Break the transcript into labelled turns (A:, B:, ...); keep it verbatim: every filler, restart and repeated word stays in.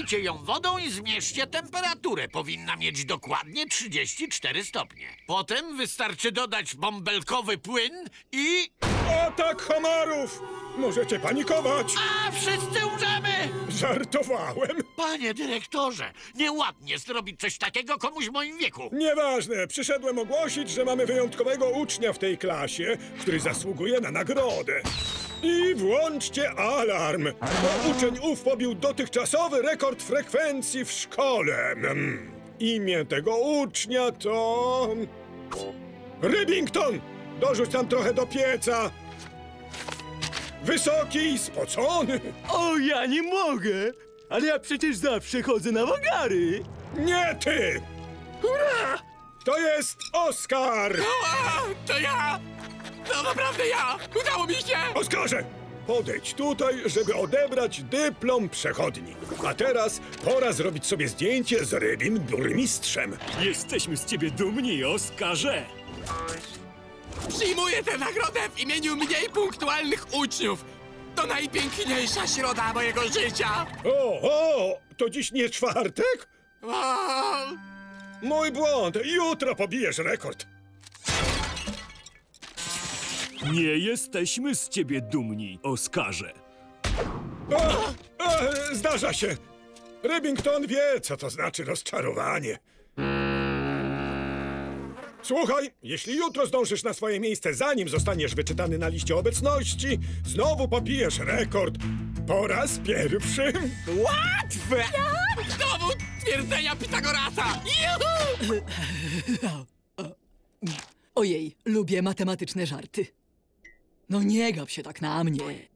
A: Zalejcie ją wodą i zmierzcie temperaturę. Powinna mieć dokładnie trzydzieści cztery stopnie. Potem wystarczy dodać bąbelkowy płyn i...
B: Atak homarów! Możecie panikować!
A: A, wszyscy umrzemy!
B: Żartowałem!
A: Panie dyrektorze, nieładnie zrobić coś takiego komuś w moim wieku.
B: Nieważne, przyszedłem ogłosić, że mamy wyjątkowego ucznia w tej klasie, który zasługuje na nagrodę. I włączcie alarm, bo uczeń ów pobił dotychczasowy rekord frekwencji w szkole. Mm. Imię tego ucznia to... Rybington! Dorzuć tam trochę do pieca. Wysoki, spocony.
C: O, ja nie mogę! Ale ja przecież zawsze chodzę na wagary!
B: Nie ty!
C: Hurra!
B: To jest Oskar!
D: A, to ja! To naprawdę ja! Udało mi się!
B: Oskarze! Podejdź tutaj, żeby odebrać dyplom przechodni. A teraz pora zrobić sobie zdjęcie z rybim burmistrzem.
C: Jesteśmy z ciebie dumni, Oskarze!
D: Przyjmuję tę nagrodę w imieniu mniej punktualnych uczniów! To najpiękniejsza środa mojego życia!
B: O, o! To dziś nie czwartek?
D: O,
B: Mój błąd! Jutro pobijesz rekord!
C: Nie jesteśmy z ciebie dumni, Oskarze.
B: O, o, zdarza się! Rybington wie, co to znaczy rozczarowanie. Słuchaj, jeśli jutro zdążysz na swoje miejsce, zanim zostaniesz wyczytany na liście obecności, znowu pobijesz rekord. Po raz pierwszy.
D: łatwe! Dowód twierdzenia Pitagorasa! Juhu!
E: Ojej, lubię matematyczne żarty. No nie gaw się tak na mnie.